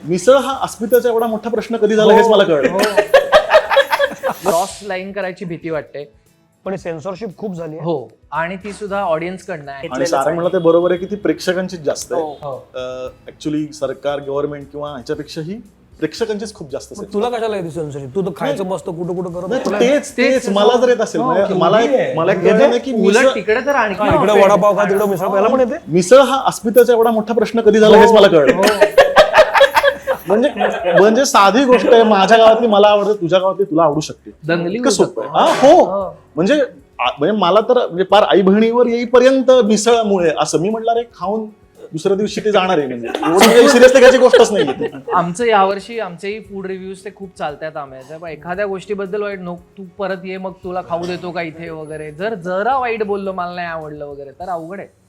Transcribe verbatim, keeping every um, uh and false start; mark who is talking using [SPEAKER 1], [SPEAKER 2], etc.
[SPEAKER 1] मिसळ हा अस्मितेचा एवढा मोठा प्रश्न कधी झाला हेच मला कळलं.
[SPEAKER 2] क्रॉस लाईन करायची भीती वाटते.
[SPEAKER 3] पण सेन्सॉरशिप खूप झाली आहे.
[SPEAKER 2] हो, आणि ती सुद्धा ऑडियन्स कडनं आहे.
[SPEAKER 1] आणि सारंग म्हणलं ते बरोबर आहे की ती प्रेक्षकांचीच जास्त
[SPEAKER 2] हो.
[SPEAKER 1] आहे. ऍक्च्युली सरकार गव्हर्नमेंट किंवा ह्याच्यापेक्षाही प्रेक्षकांचीच खूप जास्त
[SPEAKER 3] मग तुला कशाला येते सेन्सॉरशिप? तू तर खायचं मस्त कुठं कुठं करत
[SPEAKER 1] नाही,
[SPEAKER 3] तुला-
[SPEAKER 1] तेच तेच मला जर येत असेल म्हणजे मला एक- मला एक कळलं नाही की
[SPEAKER 2] उलट
[SPEAKER 1] मिसळ
[SPEAKER 2] तिकडे तर आणखी
[SPEAKER 3] हा, इकडे वडापाव खा तिकडे मिसळ खायला पण येते.
[SPEAKER 1] मिसळ हा अस्मितेचा एवढा मोठा प्रश्न कधी झाला हेच मला कळलं. म्हणजे म्हणजे साधी गोष्ट आहे, माझ्या गावातली मला आवडते, तुझ्या गावातली तुला आवडू शकते.
[SPEAKER 2] दंगली
[SPEAKER 1] इतकं
[SPEAKER 2] होऊ
[SPEAKER 1] सोपं आहे.
[SPEAKER 2] शकतो.
[SPEAKER 1] हा, हो म्हणजे आ- म्हणजे मला तर म्हणजे पार आई बहिणीवर येईपर्यंत मिसळमुळे असं मी म्हटलं रे खाऊन दुसऱ्या दिवशी ते जाणार आहे म्हणजे एवढं सिरियसली घ्यायची गोष्टच नाही.
[SPEAKER 2] आमचं यावर्षी आमचेही फूड रिव्ह्यूज ते खूप चालतात आम्हाला. एखाद्या गोष्टीबद्दल वाईट नो तू परत ये मग तुला खाऊ देतो का इथे वगैरे, जर जरा वाईट बोललो मला नाही आवडलं वगैरे तर अवघड आहे.